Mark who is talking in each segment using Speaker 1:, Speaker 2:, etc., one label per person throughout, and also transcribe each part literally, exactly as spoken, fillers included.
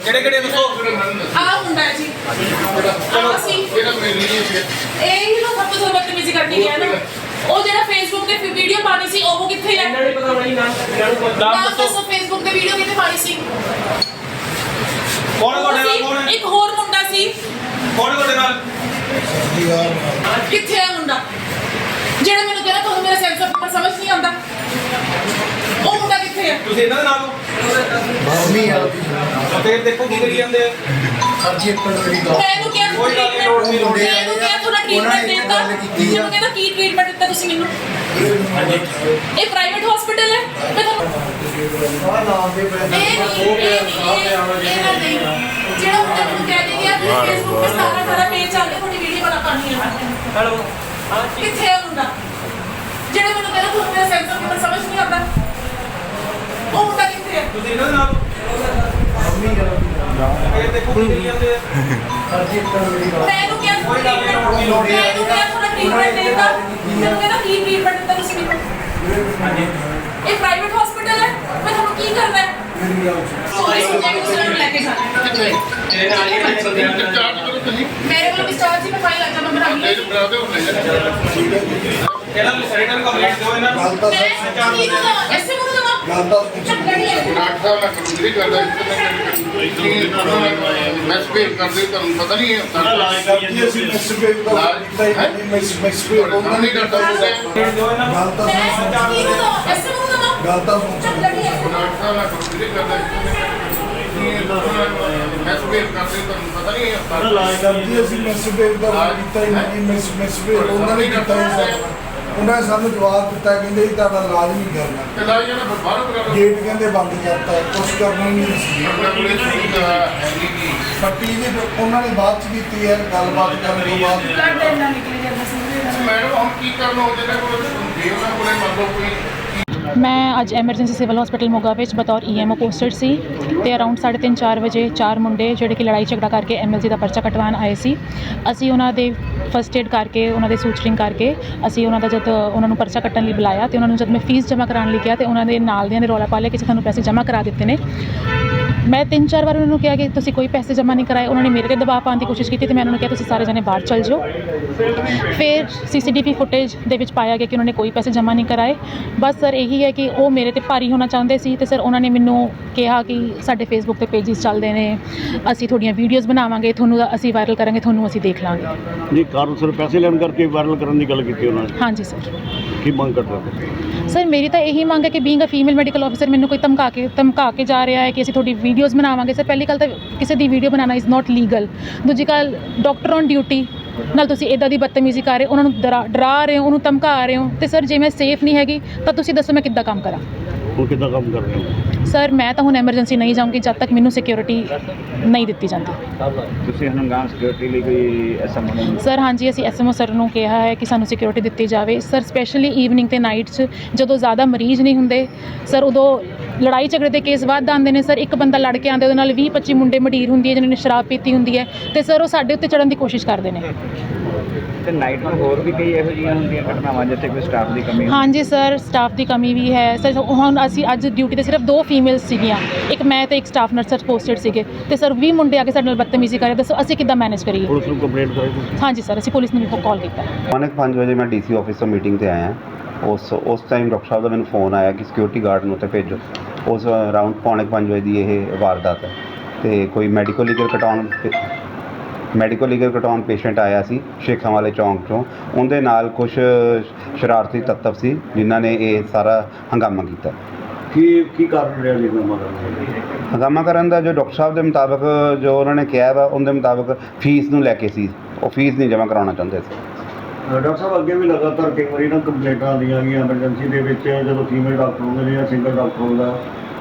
Speaker 1: ਕਿਹੜੇ ਕਿਹੜੇ ਦੱਸੋ
Speaker 2: ਆ ਮੁੰਡਾ ਜੀ ਚਲੋ ਸੀ ਇਹ ਹੀ ਲੋਕ ਹੱਥੋਂ ਤੋਂ ਬਦਤਮੀਜ਼ੀ ਕਰਨੀ ਹੈ ਨਾ ਉਹ ਜਿਹੜਾ ਫੇਸਬੁੱਕ ਤੇ ਵੀਡੀਓ ਪਾਣੀ ਸੀ ਉਹ ਕਿੱਥੇ ਹੈ
Speaker 1: ਇਹਨਾਂ ਨੇ ਪਤਾ ਨਹੀਂ ਨਾਮ
Speaker 2: ਨਾਮ ਦੱਸੋ ਫੇਸਬੁੱਕ ਤੇ ਵੀਡੀਓ ਕਿੱਥੇ ਪਾਣੀ ਸੀ
Speaker 1: ਕੌਣ ਤੁਹਾਡੇ ਨਾਲ ਕੌਣ ਹੈ
Speaker 2: ਇੱਕ ਹੋਰ ਮੁੰਡਾ ਸੀ
Speaker 1: ਕੌਣ ਤੁਹਾਡੇ ਨਾਲ
Speaker 2: ਕਿੱਥੇ ਹੈ ਮੁੰਡਾ ਜਿਹੜਾ ਮੈਨੂੰ ਕਹਿੰਦਾ ਤੁਹਾਨੂੰ ਮੇਰਾ ਸੈਂਸ ਆਫ ਸਮਝ ਨਹੀਂ ਆਉਂਦਾ ਉਹ ਮੁੰਡਾ ਕਿੱਥੇ ਹੈ
Speaker 1: ਤੁਸੀਂ ਇਹਨਾਂ ਦੇ ਨਾਲ ਹੋ
Speaker 3: ਬਾਹਮੀ ਆ
Speaker 1: ਫਿਰ ਦੇਖੋ ਕੀ ਕਰੀ ਜਾਂਦੇ ਆ
Speaker 3: ਸਬਜੀ ਇੱਕ ਮੇਰੀ ਗੱਲ
Speaker 2: ਮੈਨੂੰ ਕਿਹਾ
Speaker 1: ਕੋਈ ਗੱਲ ਨਹੀਂ, ਲੋੜ ਨਹੀਂ, ਲੋੜ ਨਹੀਂ।
Speaker 2: ਮੈਨੂੰ ਕਿਹਾ ਤੁਹਾਡਾ ਟ੍ਰੀਟਮੈਂਟ ਦਿੱਤਾ ਮੈਨੂੰ ਕਹਿੰਦਾ ਕੀ ਟ੍ਰੀਟਮੈਂਟ ਦਿੱਤਾ ਤੁਸੀਂ ਮੈਨੂੰ ਇਹ ਪ੍ਰਾਈਵੇਟ ਹਸਪੀਟਲ ਹੈ ਮੈਂ ਤੁਹਾਨੂੰ
Speaker 3: ਆ ਨਾਮ ਦੇ
Speaker 2: ਇਹ ਨਹੀਂ ਇਹ ਨਹੀਂ ਇਹ ਨਾ ਨਹੀਂ ਜਿਹੜਾ ਮੁੰਡਾ ਮੈਨੂੰ ਕਹਿ ਕੇ ਗਿਆ ਕਿ ਫੇਸਬੁੱਕ ਤੇ ਸਾਰਾ ਸਾਰਾ ਪੇਜ ਚੱਲਦਾ ਤੁਹਾਡੀ ਵੀਡੀਓ ਬਣਾ ਪਾਣੀ ਹੈ
Speaker 1: ਹੈਲੋ ਹਾਂ
Speaker 2: ਕਿੱਥੇ ਹੈ ਮੁੰਡਾ ਜਿਹੜਾ ਮੈਨੂੰ ਕਹਿੰਦਾ ਤੁਹਾਨੂੰ ਮੇਰਾ ਸੈਂਸ ਆਫ ਸਮਝ ਨਹੀਂ ਆਉਂਦਾ ਉਹ ਮੁੰਡਾ ਕਿੱਥੇ ਹੈ
Speaker 1: ਤੁਸੀਂ ਇਹਨਾਂ ਦੇ ਨਾਲ
Speaker 3: ਬਾਹਮੀ ਆ
Speaker 1: ਫਿਰ ਦੇਖੋ ਕੀ ਕਰੀ ਜਾਂਦੇ ਆ
Speaker 3: ਸਬਜੀ ਇੱਕ ਮੇਰੀ ਗੱਲ
Speaker 2: ਮੈਨੂੰ ਕਿਹਾ ਲੋੜ ਨਹੀਂ ਲੋੜ ਨਹੀਂ ਮੈਨੂੰ ਕਿਹਾ ਤੁਹਾਡਾ ਟ੍ਰੀਟਮੈਂਟ ਦਿੱਤਾ ਮੈਨੂੰ ਕਹਿੰਦਾ ਕੀ ਟ੍ਰੀਟਮੈਂਟ ਦਿੱਤਾ ਤੁਸੀਂ ਮੈਨੂੰ ਇਹ ਪ੍ਰਾਈਵੇਟ ਹਸਪੀਟਲ ਹੈ ਮੈਂ ਤੁਹਾਨੂੰ ਕੀ ਕਰਨਾ ਹੈ
Speaker 3: ਮੇਰੀ ਗੱਲ
Speaker 2: ਸੋਰੀ ਸੁਣਿਆ ਲੈ ਕੇ ਜਾਣਾ
Speaker 1: ਤੇਰੇ ਨਾਲ ਹੀ ਜਿਹੜੇ ਬੰਦੇ ਆ
Speaker 2: ਮੇਰੇ ਕੋਲ ਡਿਸਚਾਰਜ ਦੀ ਫਾਈਲ ਅੱਜ ਮੈਂ ਬਣਾ ਲਈ
Speaker 1: ਇਹਨਾਂ ਨੂੰ ਰਿਟਰਨ ਕੰਪਲੀਟ ਦਿਓ ਇਹਨਾਂ ਨੂੰ
Speaker 3: ਗੱਲ ਤਾਂ
Speaker 2: ਮੈਂ
Speaker 3: ਸੱਚ
Speaker 2: ਕੀ ਦਵਾਂ ਐਸੇ ਨੂੰ ਦਵਾਂ
Speaker 3: ਗੱਲ ਤਾਂ
Speaker 2: ਚੱਕਣੀ ਹੈ
Speaker 4: ਪਤਾ ਨਹੀਂ
Speaker 3: ਸਬਜੀ ਅਸੀਂ ਮਿਸ ਪੇ ਦਾ ਕੀਤਾ ਹੀ ਨਹੀਂ ਮਿਸ ਮਿਸ ਪੇ ਉਹਨਾਂ ਨੇ ਕਰਦਾ
Speaker 1: ਕੰਪਲੀਟ ਦਿਓ ਇਹਨਾਂ ਨੂੰ
Speaker 3: ਗੱਲ ਤਾਂ
Speaker 2: ਮੈਂ ਕੀ ਦਵਾਂ ਐਸੇ ਨੂੰ ਦਵਾਂ
Speaker 3: ਗੱਲ ਤਾਂ
Speaker 2: ਚੱਕਣੀ ਹੈ
Speaker 4: ਪਤਾ ਨਹੀਂ
Speaker 3: ਸਬਜੀ ਅਸੀਂ ਮਿਸ ਪੇ ਦਾ ਕੀਤਾ ਹੀ ਨਹੀਂ ਮਿਸ ਮਿਸ ਪੇ ਉਹਨਾਂ ਨੇ ਕੀਤਾ ਹੀ ਉਹਨਾਂ ਨੇ ਸਾਨੂੰ ਜਵਾਬ ਦਿੱਤਾ ਕਹਿੰਦੇ ਜੀ ਤੁਹਾਡਾ ਇਲਾਜ ਨਹੀਂ ਕਰਨਾ ਗੇਟ ਕਹਿੰਦੇ ਬੰਦ ਕਰਤਾ ਕੁਛ ਕਰਨਾ ਹੀ ਨਹੀਂ ਸੀ ਪੱਟੀ ਜੀ ਉਹਨਾਂ ਨੇ ਬਾਅਦ ਚ ਕੀਤੀ ਹੈ ਗੱਲਬਾਤ ਕਰਨ ਤੋਂ ਬਾਅਦ
Speaker 2: ਬਲੱਡ ਇੰਨਾ ਨਿਕਲ ਜਾਂਦਾ ਸੀ
Speaker 4: ਮੈਡਮ ਹੁਣ ਕੀ ਕਰਨਾ ਉਹਦੇ ਨਾਲ ਕੋਲ ਜੇ ਉਹਨਾਂ ਕੋਲੇ ਮੰਨ ਲਓ ਕੋਈ
Speaker 5: ਮੈਂ ਅੱਜ ਐਮਰਜੈਂਸੀ ਸਿਵਲ ਹਸਪੀਟਲ ਮੋਗਾ ਵਿੱਚ ਬਤੌਰ ਈਐਮਓ ਪੋਸਟਡ ਸੀ ਤੇ ਅਰਾਊਂਡ ਸਾਢੇ ਤਿੰਨ ਚਾਰ ਵਜੇ ਚਾਰ ਮੁੰਡੇ ਜਿਹੜੇ ਕਿ ਲੜਾਈ ਝਗੜਾ ਕਰਕੇ ਐਮਐਲਸੀ ਦਾ ਪਰਚਾ ਕਟਵਾਉਣ ਆਏ ਸੀ। ਅਸੀਂ ਉਹਨਾਂ ਦੇ ਫਸਟ ਏਡ ਕਰਕੇ ਉਹਨਾਂ ਦੇ ਸੂਚਰਿੰਗ ਕਰਕੇ ਅਸੀਂ ਉਹਨਾਂ ਦਾ ਜਦ ਉਹਨਾਂ ਨੂੰ ਪਰਚਾ ਕੱਟਣ ਲਈ ਬੁਲਾਇਆ ਤੇ ਉਹਨਾਂ ਨੂੰ ਜਦ ਮੈਂ ਫੀਸ ਜਮ੍ਹਾਂ ਕਰਾਉਣ ਲਈ ਕਿਹਾ ਤੇ ਉਹਨਾਂ ਦੇ ਨਾਲ ਦਿਆਂ ਨੇ ਰੌਲਾ ਪਾ ਲਿਆ ਕਿ ਸਾਨੂੰ ਪੈਸੇ ਜਮ੍ਹਾਂ ਕਰਾ ਦਿੱਤੇ ਨੇ। ਮੈਂ ਤਿੰਨ ਚਾਰ ਵਾਰ ਉਹਨਾਂ ਨੂੰ ਕਿਹਾ ਕਿ ਤੁਸੀਂ ਕੋਈ ਪੈਸੇ ਜਮ੍ਹਾਂ ਨਹੀਂ ਕਰਾਏ। ਉਹਨਾਂ ਨੇ ਮੇਰੇ 'ਤੇ ਦਬਾਅ ਪਾਉਣ ਦੀ ਕੋਸ਼ਿਸ਼ ਕੀਤੀ ਤੇ ਮੈਂ ਉਹਨਾਂ ਨੂੰ ਕਿਹਾ ਤੁਸੀਂ ਸਾਰੇ ਜਣੇ ਬਾਹਰ ਚੱਲ ਜਾਓ। ਫਿਰ ਸੀਸੀਟੀਵੀ ਫੁਟੇਜ ਦੇ ਵਿੱਚ ਪਾਇਆ ਗਿਆ ਕਿ ਉਹਨਾਂ ਨੇ ਕੋਈ ਪੈਸੇ ਜਮ੍ਹਾਂ ਨਹੀਂ ਕਰਾਏ। ਬਸ ਸਰ ਇਹੀ ਹੈ ਕਿ ਉਹ ਮੇਰੇ 'ਤੇ ਭਾਰੀ ਹੋਣਾ ਚਾਹੁੰਦੇ ਸੀ ਤੇ ਸਰ ਉਹਨਾਂ ਨੇ ਮੈਨੂੰ ਕਿਹਾ ਕਿ ਸਾਡੇ ਫੇਸਬੁੱਕ 'ਤੇ ਪੇਜਿਸ ਚੱਲਦੇ ਨੇ, ਅਸੀਂ ਤੁਹਾਡੀਆਂ ਵੀਡੀਓਜ਼ ਬਣਾਵਾਂਗੇ, ਤੁਹਾਨੂੰ ਅਸੀਂ ਵਾਇਰਲ ਕਰਾਂਗੇ, ਤੁਹਾਨੂੰ ਅਸੀਂ ਦੇਖ ਲਾਂਗੇ।
Speaker 6: ਜੀ ਕਾਰਨ ਸਰ ਪੈਸੇ ਲੈਣ ਕਰਕੇ ਵਾਇਰਲ ਕਰਨ ਦੀ ਗੱਲ ਕੀਤੀ ਉਹਨਾਂ ਨੇ।
Speaker 5: ਹਾਂਜੀ ਸਰ।
Speaker 6: ਕੀ ਮੰਗ ਕਰਦੇ
Speaker 5: ਸਰ ਮੇਰੀ ਤਾਂ ਇਹੀ ਮੰਗ ਹੈ ਕਿ being a female medical officer ਮੈਨੂੰ ਕੋਈ ਧਮਕਾ ਕੇ ਧਮਕਾ ਕੇ ਜਾ ਰਿਹਾ ਹੈ ਕਿ ਅਸੀਂ ਤੁਹਾਡੀ ਵੀਡੀਓਜ਼ ਬਣਾਵਾਂਗੇ। ਸਰ ਪਹਿਲੀ ਗੱਲ ਤਾਂ ਕਿਸੇ ਦੀ ਵੀਡੀਓ ਬਣਾਉਣਾ ਇਜ਼ ਨਾਟ ਲੀਗਲ। ਦੂਜੀ ਗੱਲ ਡਾਕਟਰ ਔਨ ਡਿਊਟੀ ਨਾਲ ਤੁਸੀਂ ਇੱਦਾਂ ਦੀ ਬਦਤਮੀਜ਼ੀ ਕਰ ਰਹੇ, ਉਹਨਾਂ ਨੂੰ ਡਰਾ ਡਰਾ ਰਹੇ ਹੋ, ਉਹਨੂੰ ਧਮਕਾ ਰਹੇ ਹੋ ਤੇ ਸਰ ਜੇ ਮੈਂ ਸੇਫ ਨਹੀਂ ਹੈਗੀ ਤਾਂ ਤੁਸੀਂ ਦੱਸੋ ਮੈਂ ਕਿੱਦਾਂ ਕੰਮ ਕਰਾਂ।
Speaker 6: ਹੁਣ ਕਿੱਦਾਂ ਕੰਮ ਕਰ ਰਹੇ ਹੋ
Speaker 5: ਸਰ ਮੈਂ ਤਾਂ ਹੁਣ ਐਮਰਜੈਂਸੀ ਨਹੀਂ ਜਾਊਂਗੀ ਜਦ ਤੱਕ ਮੈਨੂੰ ਸਿਕਿਉਰਿਟੀ ਨਹੀਂ ਦਿੱਤੀ ਜਾਂਦੀ।
Speaker 6: ਤੁਸੀਂ ਹੰਗਾਮ ਸਿਕਿਉਰਿਟੀ ਲਈ ਕੋਈ ਐਸਐਮਓ
Speaker 5: ਸਰ ਹਾਂਜੀ ਅਸੀਂ ਐਸਐਮਓ ਸਰ ਨੂੰ ਕਿਹਾ ਹੈ ਕਿ ਸਾਨੂੰ ਸਿਕਿਉਰਿਟੀ ਦਿੱਤੀ ਜਾਵੇ। ਸਰ ਸਪੈਸ਼ਲੀ ਈਵਨਿੰਗ ਤੇ ਨਾਈਟ 'ਚ ਜਦੋਂ ਜ਼ਿਆਦਾ ਮਰੀਜ਼ ਨਹੀਂ ਹੁੰਦੇ ਸਰ ਉਦੋਂ ਲੜਾਈ ਝਗੜੇ ਦੇ ਕੇਸ ਵੱਧ ਆਉਂਦੇ ਨੇ। ਸਰ ਇੱਕ ਬੰਦਾ ਲੜ ਕੇ ਆਉਂਦੇ ਉਹਦੇ ਨਾਲ ਵੀਹ ਪੱਚੀ ਮੁੰਡੇ ਮਡੀਰ ਹੁੰਦੀ ਹੈ ਜਿਹਨਾਂ ਨੇ ਸ਼ਰਾਬ ਪੀਤੀ ਹੁੰਦੀ ਹੈ ਤੇ ਸਰ ਉਹ ਸਾਡੇ ਉੱਤੇ ਚੜ੍ਹਨ ਦੀ ਕੋਸ਼ਿਸ਼ ਕਰਦੇ ਨੇ।
Speaker 6: ਤੇ ਨਾਈਟ ਨੂੰ ਹੋਰ ਵੀ ਕਈ ਇਹੋ ਜਿਹੀਆਂ ਹੁੰਦੀਆਂ ਘਟਨਾਵਾਂ ਜਿੱਥੇ ਕੋਈ ਸਟਾਫ ਦੀ ਕਮੀ
Speaker 5: ਹਾਂਜੀ ਸਰ ਸਟਾਫ ਦੀ ਕਮੀ ਵੀ ਹੈ। ਸਰ ਹੁਣ ਅਸੀਂ ਅੱਜ ਡਿਊਟੀ 'ਤੇ ਸਿਰਫ ਦੋ ਫੀਮੇਲਸ ਸੀਗੀਆਂ, ਇੱਕ ਮੈਂ ਤੇ ਇੱਕ ਸਟਾਫ ਨਰਸ ਪੋਸਟਡ ਸੀਗੇ ਤੇ ਸਰ ਵੀਹ ਮੁੰਡੇ ਆ ਕੇ ਸਾਡੇ ਨਾਲ ਬਦਤਮੀਜ਼ੀ ਕਰੇ। ਦੱਸੋ ਅਸੀਂ ਕਿੱਦਾਂ ਮੈਨੇਜ ਕਰੀਏ।
Speaker 6: ਪੁਲਿਸ ਨੂੰ ਕੰਪਲੇਂਟ ਕਰਾਈ।
Speaker 5: ਹਾਂਜੀ ਸਰ ਅਸੀਂ ਪੁਲਿਸ ਨੂੰ ਵੀ ਕਾਲ ਕੀਤਾ।
Speaker 7: ਪੌਣੇ ਪੰਜ ਵਜੇ ਮੈਂ ਡੀਸੀ ਆਫਿਸ ਤੋਂ ਮੀਟਿੰਗ ਤੇ ਆਇਆ। ਉਸ ਉਸ ਟਾਈਮ ਡਾਕਟਰ ਸਾਹਿਬ ਦਾ ਮੈਨੂੰ ਫੋਨ ਆਇਆ ਕਿ ਸਿਕਿਉਰਿਟੀ ਗਾਰਡ ਨੂੰ ਉੱਥੇ ਭੇਜੋ। ਉਸ ਅਰਾਊਂਡ ਪੌਣੇ ਪੰਜ ਵਜੇ ਦੀ ਇਹ ਵਾਰਦਾਤ ਹੈ ਤੇ ਕੋਈ ਮੈਡੀਕਲ ਲੀਗਲ ਕਟਾਉਣ ਮੈਡੀਕਲ ਲੀਗਲ ਕਟਾਉਣ ਪੇਸ਼ੈਂਟ ਆਇਆ ਸੀ ਸ਼ੇਖਾਂ ਵਾਲੇ ਚੌਂਕ 'ਚੋਂ। ਉਹਦੇ ਨਾਲ ਕੁਝ ਸ਼ਰਾਰਤੀ ਤੱਤਵ ਸੀ ਜਿਨ੍ਹਾਂ ਨੇ ਇਹ ਸਾਰਾ ਹੰਗਾਮਾ ਕੀਤਾ।
Speaker 6: ਕੀ ਕੀ ਕਾਰਨ ਰਿਹਾ ਜੀ ਹੰਗਾਮਾ ਕਰਨ ਦਾ?
Speaker 7: ਹੰਗਾਮਾ ਕਰਨ ਦਾ ਜੋ ਡਾਕਟਰ ਸਾਹਿਬ ਦੇ ਮੁਤਾਬਕ ਜੋ ਉਹਨਾਂ ਨੇ ਕਿਹਾ ਵਾ ਉਹਦੇ ਮੁਤਾਬਕ ਫੀਸ ਨੂੰ ਲੈ ਕੇ ਸੀ। ਉਹ ਫੀਸ ਨਹੀਂ ਜਮ੍ਹਾਂ ਕਰਾਉਣਾ ਚਾਹੁੰਦੇ ਸੀ।
Speaker 6: ਡਾਕਟਰ ਸਾਹਿਬ ਅੱਗੇ ਵੀ ਲਗਾਤਾਰ ਕਈ ਵਾਰੀ ਨਾ ਕੰਪਲੇਂਟਾਂ ਆਉਂਦੀਆਂ ਗਈਆਂ ਐਮਰਜੈਂਸੀ ਦੇ ਵਿੱਚ ਜਦੋਂ ਫੀਮੇਲ ਡਾਕਟਰ ਹੁੰਦੇ ਨੇ ਜਾਂ ਸਿੰਗਲ ਡਾਕਟਰ ਹੁੰਦਾ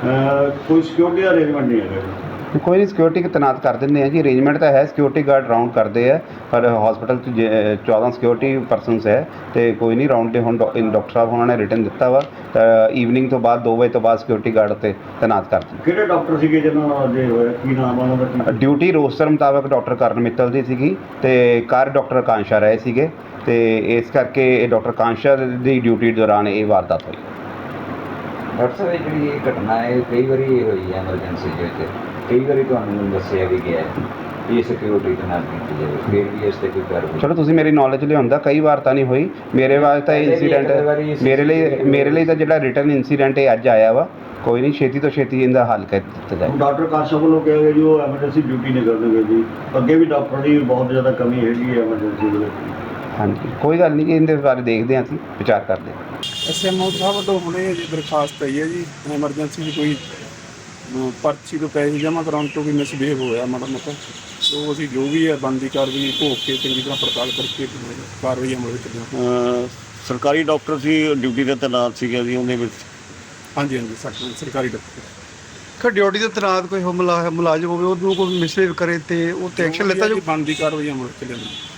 Speaker 6: ਕੋਈ ਸਿਕਿਉਰਿਟੀ ਅਰੇਂਜਮੈਂਟ ਨਹੀਂ ਹੈਗਾ।
Speaker 7: ਕੋਈ ਨਹੀਂ ਸਿਕਿਉਰਿਟੀ ਤੈਨਾਤ ਕਰ ਦਿੰਦੇ ਆ ਜੀ। ਅਰੇਂਜਮੈਂਟ ਤਾਂ ਹੈ, ਸਿਕਿਉਰਿਟੀ ਗਾਰਡ ਰਾਊਂਡ ਕਰਦੇ ਆ ਪਰ ਹਸਪੀਟਲ 'ਚ ਚੌਦਾਂ ਸਿਕਿਉਰਿਟੀ ਪਰਸਨਸ ਹੈ ਤੇ ਕੋਈ ਨਹੀਂ ਰਾਊਂਡ 'ਤੇ ਹੁਣ ਡਾਕਟਰ ਸਾਹਿਬ ਉਹਨਾਂ ਨੇ ਰਿਟਨ ਦਿੱਤਾ ਵਾ ਤਾਂ ਈਵਨਿੰਗ ਤੋਂ ਬਾਅਦ ਦੋ ਵਜੇ ਤੋਂ ਬਾਅਦ ਸਿਕਿਉਰਿਟੀ ਗਾਰਡ 'ਤੇ ਤੈਨਾਤ ਕਰ ਦਿੱਤੇ।
Speaker 6: ਕਿਹੜੇ ਡਾਕਟਰ ਸੀਗੇ ਜਿਹਨਾਂ ਦੇ ਹੋਇਆ ਕੀ ਨਾਮ ਉਹਨਾਂ ਦਾ?
Speaker 7: ਡਿਊਟੀ ਰੋਸਟਰ ਮੁਤਾਬਕ ਡਾਕਟਰ ਕਰਨ ਮਿੱਤਲ ਦੀ ਸੀਗੀ ਤੇ ਕਾਰ ਡਾਕਟਰ ਕਾਂਸ਼ਾ ਰਹੇ ਸੀਗੇ ਤੇ ਇਸ ਕਰਕੇ ਇਹ ਡਾਕਟਰ ਕਾਂਸ਼ਾ ਦੀ ਡਿਊਟੀ ਦੌਰਾਨ ਇਹ ਵਾਰਦਾਤ ਹੋਈ।
Speaker 8: ਡਾਕਟਰ ਸਾਹਿਬ ਜਿਹੜੀ ਇਹ ਘਟਨਾ ਹੈ ਕਈ ਵਾਰੀ ਹੋਈ ਹੈ ਐਮਰਜੈਂਸੀ ਦੇ ਵਿੱਚ ਕਈ ਵਾਰੀ ਤੁਹਾਨੂੰ ਦੱਸਿਆ ਵੀ ਗਿਆ ਇਹ ਸਿਕਿਉਰਿਟੀ ਦੇ ਨਾਲ ਕੀਤੀ ਜਾਵੇ, ਫਿਰ ਵੀ ਇਸ ਤੇ ਕੋਈ ਕਾਰਵਾਈ?
Speaker 7: ਚਲੋ ਤੁਸੀਂ ਮੇਰੀ ਨੌਲੇਜ ਲਿਆਉਂਦਾ, ਕਈ ਵਾਰ ਤਾਂ ਨਹੀਂ ਹੋਈ ਮੇਰੇ ਵਾਸਤੇ ਤਾਂ ਇਹ ਇਨਸੀਡੈਂਟ ਮੇਰੇ ਲਈ ਮੇਰੇ ਲਈ ਤਾਂ ਜਿਹੜਾ ਰਿਟਰਨ ਇਨਸੀਡੈਂਟ ਇਹ ਅੱਜ ਆਇਆ ਵਾ, ਕੋਈ ਨਹੀਂ, ਛੇਤੀ ਤੋਂ ਛੇਤੀ ਇਹਦਾ ਹੱਲ ਕਰ ਦਿੱਤਾ ਜਾਏ।
Speaker 6: ਡਾਕਟਰ ਕਾਸ਼ਾ ਵੱਲੋਂ ਕਿਹਾ ਗਿਆ ਜੀ ਉਹ ਐਮਰਜੈਂਸੀ ਡਿਊਟੀ ਨਹੀਂ ਕਰਨਗੇ ਜੀ, ਅੱਗੇ ਵੀ ਡਾਕਟਰ ਦੀ ਬਹੁਤ ਜ਼ਿਆਦਾ ਕਮੀ ਹੈਗੀ ਹੈ ਐਮਰਜੈਂਸੀ ਦੇ ਵਿੱਚ।
Speaker 7: ਹਾਂਜੀ ਕੋਈ ਗੱਲ ਨਹੀਂ, ਇਹਦੇ ਬਾਰੇ ਦੇਖਦੇ ਹਾਂ, ਅਸੀਂ ਵਿਚਾਰ ਕਰਦੇ ਹਾਂ।
Speaker 9: ਐਸਐਮਓ ਸਾਹਿਬ ਵੱਲੋਂ ਹੁਣੇ ਜੀ ਦਰਖਾਸਤ ਆਈ ਹੈ ਜੀ, ਐਮਰਜੈਂਸੀ 'ਚ ਕੋਈ ਅਹ, ਪਰਚੀ ਤੋਂ ਪੈਸੇ ਜਮ੍ਹਾਂ ਕਰਾਉਣ ਤੋਂ ਵੀ ਮਿਸਬਿਹੇਵ ਹੋਇਆ ਮਾੜਾ ਮੋਟਾ, ਸੋ ਅਸੀਂ ਜੋ ਵੀ ਹੈ ਬਣਦੀ ਕਾਰਵਾਈ ਭੋਗ ਕੇ ਚੰਗੀ ਤਰ੍ਹਾਂ ਪੜਤਾਲ ਕਰਕੇ ਕਾਰਵਾਈ ਅਮਲ ਵਿੱਚ ਲਿਆਵਾਂਗੇ।
Speaker 6: ਸਰਕਾਰੀ ਡਾਕਟਰ ਸੀ, ਡਿਊਟੀ ਤੇ ਤੈਨਾਤ ਸੀਗਾ ਜੀ ਉਹਦੇ ਵਿੱਚ।
Speaker 9: ਹਾਂਜੀ ਹਾਂਜੀ ਸਰ- ਸਰਕਾਰੀ ਡਾਕਟਰ
Speaker 10: ਕਿ ਡਿਊਟੀ ਤੇ ਤੈਨਾਤ ਕੋਈ ਹੋ ਮੁਲਾ- ਮੁਲਾਜ਼ਮ ਹੋਵੇ ਉਹਨੂੰ ਕੋਈ ਮਿਸਬਿਹੇਵ ਕਰੇ ਤੇ ਉਹ ਤੇ ਐਕਸ਼ਨ ਲਿੱਤਾ ਜੋ
Speaker 9: ਬਣਦੀ ਕਾਰਵਾਈ ਅਮਲ ਵਿੱਚ ਲਿਆਵਾਂਗੇ।